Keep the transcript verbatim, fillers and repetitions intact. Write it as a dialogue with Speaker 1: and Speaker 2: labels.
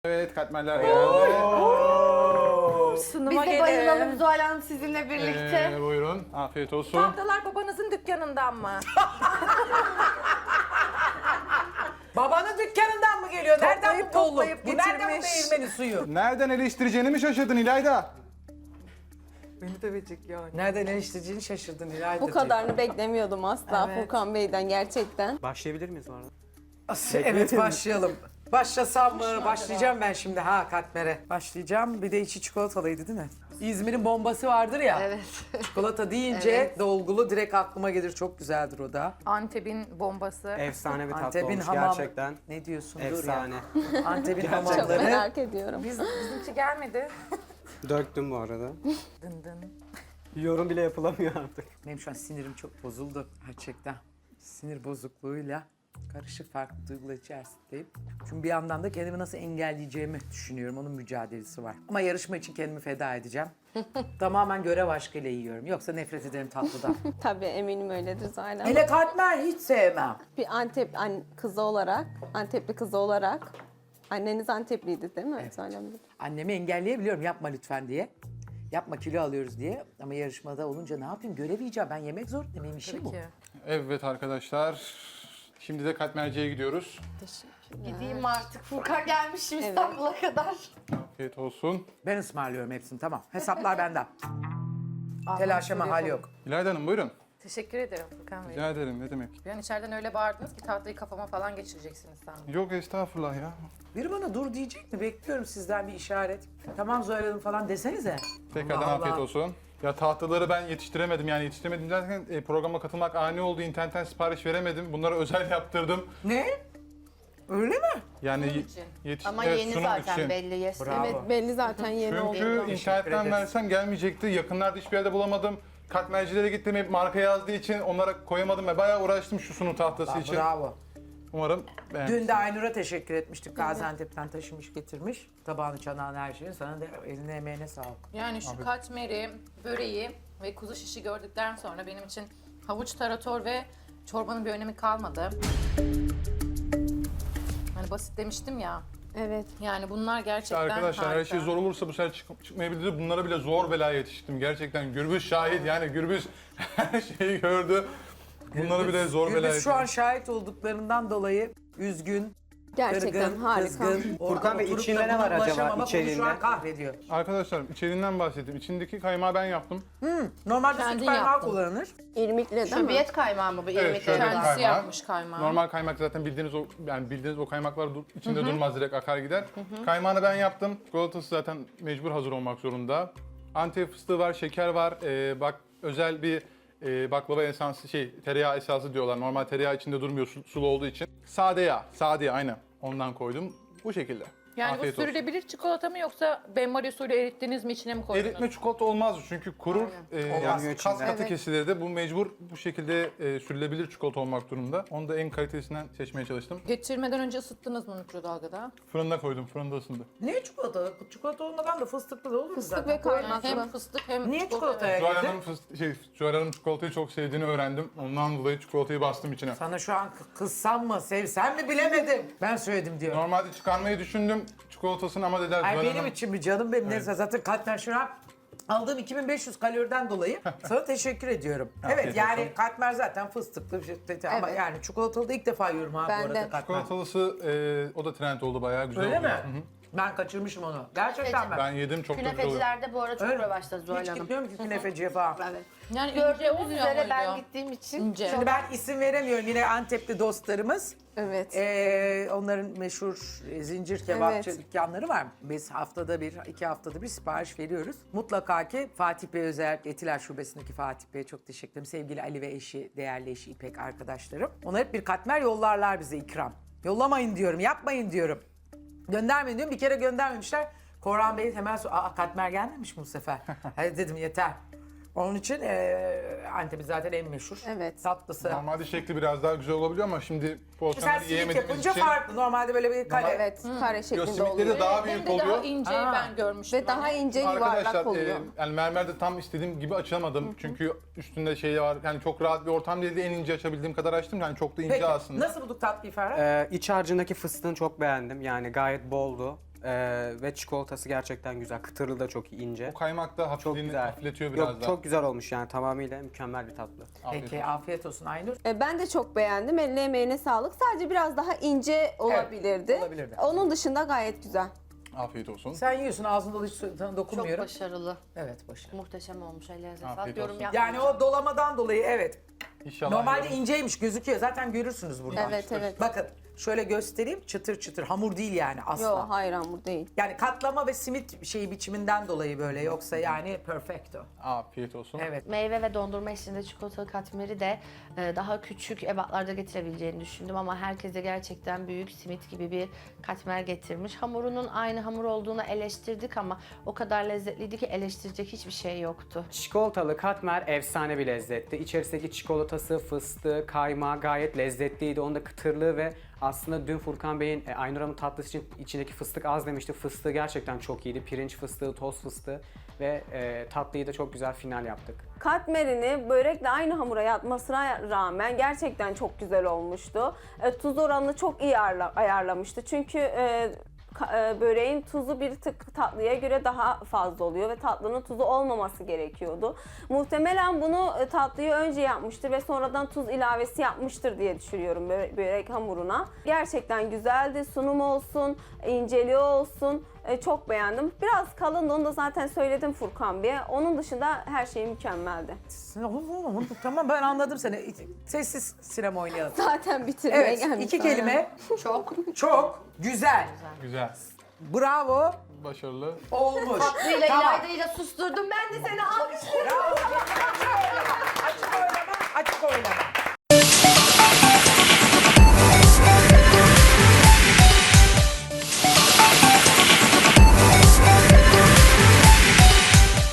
Speaker 1: Evet, katmerler geldi.
Speaker 2: Sunuma
Speaker 3: Biz de
Speaker 2: gelin.
Speaker 3: bayılalım Zuhal Hanım sizinle birlikte.
Speaker 1: Ee, buyurun, afiyet olsun.
Speaker 2: Tatlılar babanızın dükkanından mı?
Speaker 4: Babanın dükkanından mı geliyor? Nereden
Speaker 2: Toplayıp
Speaker 4: bu bolluk?
Speaker 2: toplayıp
Speaker 4: Bu nereden bu
Speaker 2: getirmiş.
Speaker 4: değirmenin suyu?
Speaker 1: Nereden eleştireceğini mi şaşırdın İlayda?
Speaker 2: Beni dövecek yani.
Speaker 4: Nereden eleştireceğini şaşırdın İlayda'cığım.
Speaker 5: Bu kadarını beklemiyordum asla
Speaker 2: Evet.
Speaker 5: Furkan Bey'den gerçekten.
Speaker 6: Başlayabilir miyiz bu arada?
Speaker 4: Evet başlayalım. Başlasam mı? Başlayacağım ben şimdi ha katmere. Başlayacağım. Bir de içi çikolatalıydı değil mi? İzmir'in bombası vardır ya.
Speaker 3: Evet.
Speaker 4: Çikolata deyince
Speaker 3: Evet.
Speaker 4: dolgulu direkt aklıma gelir. Çok güzeldir o da.
Speaker 2: Antep'in bombası.
Speaker 6: Efsane bir tatlı
Speaker 4: Antep'in
Speaker 6: olmuş
Speaker 4: hamam.
Speaker 6: gerçekten.
Speaker 4: Ne diyorsun?
Speaker 6: Efsane.
Speaker 4: Dur ya. Antep'in
Speaker 5: Çok
Speaker 4: hamamları.
Speaker 5: merak ediyorum.
Speaker 2: Biz, bizimki gelmedi.
Speaker 6: Döktüm bu arada.
Speaker 2: Dın dın.
Speaker 6: Yorum bile yapılamıyor artık.
Speaker 4: Benim şu an sinirim çok bozuldu gerçekten. Sinir bozukluğuyla karışık farklı duygular içerisindeyim. Çünkü bir yandan da kendimi nasıl engelleyeceğimi düşünüyorum. Onun mücadelesi var. Ama yarışma için kendimi feda edeceğim. Tamamen görev aşkıyla yiyorum. Yoksa nefret ederim tatlıdan.
Speaker 5: Tabii eminim öyledir Zuhal
Speaker 4: Hele katmer hiç sevmem.
Speaker 5: Bir Antep an- kızı olarak, Antepli kızı olarak. Anneniz Antepliydi değil mi? Evet.
Speaker 4: Annemi engelleyebiliyorum yapma lütfen diye. Yapma kilo alıyoruz diye. Ama yarışmada olunca ne yapayım? Görev yiyeceğim. Ben yemek zorundayım. Benim işim bu.
Speaker 2: Peki.
Speaker 1: Evet arkadaşlar, şimdi de katmerciye gidiyoruz.
Speaker 3: Gideyim artık. Furkan gelmişim İstanbul'a kadar.
Speaker 1: Afiyet olsun.
Speaker 4: Ben ısmarlıyorum hepsini tamam. Hesaplar benden. Telaşa mahal yok.
Speaker 1: İlayda Hanım buyurun.
Speaker 2: Teşekkür ederim Furkan Bey.
Speaker 1: Rica ederim, ne demek.
Speaker 2: Bir an içeriden öyle bağırdınız ki tatlıyı kafama falan geçireceksiniz sandım.
Speaker 1: Yok estağfurullah ya.
Speaker 4: Biri bana dur diyecek mi? Bekliyorum sizden bir işaret. Tamam Zuhal Hanım falan desenize.
Speaker 1: Tekrardan
Speaker 4: Allah
Speaker 1: afiyet
Speaker 4: Allah.
Speaker 1: olsun. Ya tahtaları ben yetiştiremedim yani yetiştiremedim derken e, programa katılmak ani oldu. İnternetten sipariş veremedim. Bunları özel yaptırdım.
Speaker 4: Ne? Öyle mi?
Speaker 1: Yani
Speaker 2: Sunum
Speaker 1: ye-
Speaker 2: için.
Speaker 1: yetiş-
Speaker 3: Ama
Speaker 1: evet,
Speaker 3: yeni
Speaker 1: sunum
Speaker 3: zaten
Speaker 1: için.
Speaker 3: belli. Yes.
Speaker 4: Bravo.
Speaker 5: Evet belli zaten yeni oldu.
Speaker 1: Çünkü
Speaker 4: Teşekkür
Speaker 1: internetten
Speaker 4: ederiz.
Speaker 1: versem gelmeyecekti. Yakınlarda hiçbir yerde bulamadım. Katmercilere gittim hep marka yazdığı için onlara koyamadım ve bayağı uğraştım şu sunum tahtası için.
Speaker 4: Bravo.
Speaker 1: Umarım beğenmişsiniz.
Speaker 4: Dün de Aynur'a teşekkür etmiştik. Gaziantep'ten taşımış getirmiş. Tabağını, çanağını, her şeyi. Sana da eline emeğine sağlık.
Speaker 2: Yani şu katmeri, böreği ve kuzu şişi gördükten sonra benim için havuç tarator ve çorbanın bir önemi kalmadı. Hani basit demiştim ya.
Speaker 5: Evet.
Speaker 2: Yani bunlar gerçekten
Speaker 1: Arkadaşlar her
Speaker 2: harika.
Speaker 1: şey zor olursa bu sefer çık çıkmayabilir. Bunlara bile zor bela yetiştim. Gerçekten Gürbüz şahit yani Gürbüz her şeyi gördü. Bunları bile zor bela
Speaker 4: Gürbüz şu an
Speaker 1: yetiştim.
Speaker 4: şahit olduklarından dolayı üzgün,
Speaker 5: Gerçekten
Speaker 4: kırgın,
Speaker 5: harika.
Speaker 4: kızgın.
Speaker 6: Furkan Bey,
Speaker 4: Oturup da
Speaker 6: içinde ne
Speaker 4: buna
Speaker 6: var acaba
Speaker 4: ulaşamamak onu
Speaker 6: içeriğinde?
Speaker 4: şu an kahrediyor.
Speaker 1: Arkadaşlar içeriğinden bahsedeyim. İçindeki kaymağı ben yaptım.
Speaker 4: Normalde
Speaker 2: Kendin
Speaker 4: süt kaymağı
Speaker 2: yaptın.
Speaker 4: kullanılır.
Speaker 5: İrmikle değil mi?
Speaker 3: Şöbiyet kaymağı mı bu?
Speaker 1: Evet,
Speaker 3: İrmik
Speaker 1: şöyle bir
Speaker 3: kaymağı.
Speaker 2: Kendisi
Speaker 1: kaymağı.
Speaker 2: yapmış kaymağı.
Speaker 1: Normal kaymak zaten bildiğiniz o yani bildiğiniz o kaymaklar dur- içinde durmaz direkt akar gider. Kaymağını ben yaptım. Çikolatası zaten mecbur hazır olmak zorunda. Antep fıstığı var, şeker var. Ee, bak özel bir e, baklava esansı şey tereyağı esası diyorlar. Normal tereyağı içinde durmuyor su- sulu olduğu için. Sade yağ, sade yağ aynen. Ondan koydum. Bu şekilde.
Speaker 2: Yani
Speaker 1: Afiyet
Speaker 2: bu
Speaker 1: olsun.
Speaker 2: sürülebilir çikolata mı yoksa benmari usulü erittiniz mi içine mi koydunuz?
Speaker 1: Eritme çikolata olmaz çünkü kurur. E, yani
Speaker 6: Olmaz.
Speaker 1: kas katı
Speaker 5: Evet.
Speaker 1: kesilir de bu mecbur bu şekilde e, sürülebilir çikolata olmak durumunda. Onu da en kalitesinden seçmeye çalıştım.
Speaker 2: Geçirmeden önce ısıttınız mı mikrodalgada?
Speaker 1: Fırında koydum, fırında ısındı.
Speaker 4: Niye çikolata? Çikolata olmadan da fıstıklı da olur
Speaker 5: Fıstık
Speaker 4: zaten.
Speaker 5: ve kaymaklı.
Speaker 2: Hem fıstık hem
Speaker 4: Niye
Speaker 2: çikolata.
Speaker 4: çikolataya
Speaker 1: Zuhal
Speaker 4: girdin?
Speaker 1: Hanım, fıst- şey, Zuhal Hanım çikolatayı çok sevdiğini öğrendim. Ondan dolayı çikolatayı bastım içine.
Speaker 4: Sana şu an kı- kızsam mı, sevsem mi bilemedim. Ben söyledim diyor.
Speaker 1: Normalde çıkarmayı düşündüm çikolatasını ama dediler
Speaker 4: Ay
Speaker 1: Zuhal
Speaker 4: benim
Speaker 1: Hanım.
Speaker 4: için mi canım benim neyse zaten katmer şu an aldığım iki bin beş yüz kaloriden dolayı sana teşekkür ediyorum. Evet
Speaker 1: Afiyet
Speaker 4: yani
Speaker 1: olsun.
Speaker 4: katmer zaten fıstıklı bir şey ama
Speaker 5: Evet.
Speaker 4: yani çikolatalı da ilk defa yiyorum ha
Speaker 5: Ben
Speaker 4: bu arada
Speaker 5: de.
Speaker 4: katmer.
Speaker 1: Çikolatalısı e, o da trend oldu bayağı güzel
Speaker 4: Öyle
Speaker 1: oldu.
Speaker 4: mi?
Speaker 1: Hı hı.
Speaker 4: Ben kaçırmışım onu. Gerçekten ben.
Speaker 1: Ben yedim çok da güzel oluyor.
Speaker 3: Künefecilerde bu ara çok
Speaker 4: Öyle.
Speaker 3: revaçta Zuhal
Speaker 4: Hiç
Speaker 3: Hanım.
Speaker 4: gitmiyorum ki künefeciye falan.
Speaker 3: Evet.
Speaker 2: Yani ince
Speaker 3: Gördüğünüz
Speaker 2: olmuyor
Speaker 3: üzere
Speaker 2: muydu?
Speaker 3: ben gittiğim için
Speaker 2: İnce.
Speaker 4: Şimdi ben isim veremiyorum yine Antepli dostlarımız.
Speaker 5: Evet.
Speaker 4: Ee, onların meşhur e, zincir kebapçı
Speaker 5: Evet.
Speaker 4: dükkanları var. Biz haftada bir, iki haftada bir sipariş veriyoruz. Mutlaka ki Fatih Bey özellikle Etiler Şubesi'ndeki Fatih Bey'e çok teşekkür ederim. Sevgili Ali ve eşi, değerli eşi İpek arkadaşlarım. Ona hep bir katmer yollarlar bize ikram. Yollamayın diyorum, yapmayın diyorum. Göndermeyin diyorum. Bir kere göndermemişler. Korhan Bey hemen so Aa, katmer gelmemiş mi bu sefer? Hadi dedim yeter. Onun için e, Antep'in zaten en meşhur
Speaker 5: Evet.
Speaker 4: tatlısı.
Speaker 1: Normalde şekli biraz daha güzel olabiliyor ama şimdi
Speaker 4: Mesela
Speaker 1: poğaçaları
Speaker 4: simit
Speaker 1: yiyemediğimiz
Speaker 4: yapınca
Speaker 1: için
Speaker 4: farklı. Normalde böyle bir kare.
Speaker 5: Evet, kare
Speaker 1: Yo,
Speaker 5: şeklinde
Speaker 1: simitleri
Speaker 5: oluyor.
Speaker 1: de daha
Speaker 2: Hem
Speaker 1: büyük
Speaker 2: de daha
Speaker 1: oluyor.
Speaker 2: ince
Speaker 4: Aa.
Speaker 2: ben görmüştüm.
Speaker 5: Ve daha
Speaker 2: hani.
Speaker 5: ince yuvarlak
Speaker 1: Arkadaşlar
Speaker 5: oluyor.
Speaker 1: e, yani mermerde tam istediğim gibi açamadım. Çünkü üstünde şey var. Yani çok rahat bir ortam değildi. En ince açabildiğim kadar açtım. Yani çok da ince
Speaker 4: Peki
Speaker 1: aslında.
Speaker 4: nasıl bulduk tatlıyı Ferhat?
Speaker 6: Ee, iç harcındaki fıstığını çok beğendim. Yani gayet boldu. Ee, ve çikolatası gerçekten güzel. Kıtırlı da çok ince.
Speaker 1: O kaymak da
Speaker 6: Çok
Speaker 1: hafifliğini
Speaker 6: güzel.
Speaker 1: hafifletiyor biraz
Speaker 6: Yok
Speaker 1: daha.
Speaker 6: çok güzel olmuş yani tamamıyla mükemmel bir tatlı.
Speaker 1: Afiyet
Speaker 4: Peki
Speaker 1: olsun.
Speaker 4: afiyet olsun Aynur.
Speaker 5: E, ben de çok beğendim. Eline emeğine sağlık. Sadece biraz daha ince olabilirdi.
Speaker 4: olabilirdi.
Speaker 5: Onun dışında gayet güzel.
Speaker 1: Afiyet olsun.
Speaker 4: Sen yiyorsun ağzında hiç sana
Speaker 3: Çok
Speaker 4: dokunmuyorum.
Speaker 3: başarılı.
Speaker 4: Evet başarılı.
Speaker 3: Muhteşem olmuş. Ellerinize
Speaker 1: Afiyet
Speaker 3: sağlık. Yorum
Speaker 1: olsun.
Speaker 3: yapmayacağım.
Speaker 4: Yani o dolamadan dolayı evet.
Speaker 1: İnşallah.
Speaker 4: Normalde
Speaker 1: yarın-
Speaker 4: inceymiş gözüküyor. Zaten görürsünüz buradan.
Speaker 5: Evet, evet.
Speaker 4: Bakın şöyle göstereyim. Çıtır çıtır. Hamur değil yani asla.
Speaker 5: Yok, hayır hamur değil.
Speaker 4: Yani katlama ve simit şeyi biçiminden dolayı böyle. Yoksa yani perfecto.
Speaker 1: Afiyet olsun.
Speaker 4: Evet.
Speaker 7: Meyve ve dondurma eşliğinde çikolatalı katmeri de e, daha küçük ebatlarda getirebileceğini düşündüm ama herkese gerçekten büyük simit gibi bir katmer getirmiş. Hamurunun aynı hamur olduğunu eleştirdik ama o kadar lezzetliydi ki eleştirecek hiçbir şey yoktu.
Speaker 6: Çikolatalı katmer efsane bir lezzetti. İçerisindeki çikolatası, fıstığı, kaymağı gayet lezzetliydi. Onun da kıtırlığı ve aslında dün Furkan Bey'in e, Aynur Hanım tatlısı için içindeki fıstık az demişti. Fıstığı gerçekten çok iyiydi. Pirinç fıstığı, toz fıstığı ve e, tatlıyı da çok güzel final yaptık.
Speaker 5: Katmerini börekle aynı hamura yapmasına rağmen gerçekten çok güzel olmuştu. E, tuz oranını çok iyi ayarla- ayarlamıştı. Çünkü e, ka- e, böreğin tuzu bir tık tatlıya göre daha fazla oluyor ve tatlının tuzu olmaması gerekiyordu. Muhtemelen bunu e, tatlıyı önce yapmıştır ve sonradan tuz ilavesi yapmıştır diye düşünüyorum bö- börek hamuruna. Gerçekten güzeldi. Sunum olsun, inceliği olsun. E, çok beğendim. Biraz kalındı, onu da zaten söyledim Furkan Bey'e. Onun dışında her şey mükemmeldi.
Speaker 4: Tamam ben anladım seni. Sessiz sinema oynayalım.
Speaker 5: Zaten bitirmeye
Speaker 4: Evet
Speaker 5: gelmiş.
Speaker 4: iki
Speaker 5: zaten.
Speaker 4: kelime.
Speaker 3: Çok.
Speaker 4: Çok güzel.
Speaker 1: Güzel.
Speaker 4: Bravo.
Speaker 1: Başarılı.
Speaker 4: Olmuş.
Speaker 3: Tatlıyla
Speaker 4: Tamam.
Speaker 3: ilaydayla susturdum. Ben de seni alkışlıyorum.
Speaker 4: Bravo. Açık oylama. Açık oylama. Açık oylama.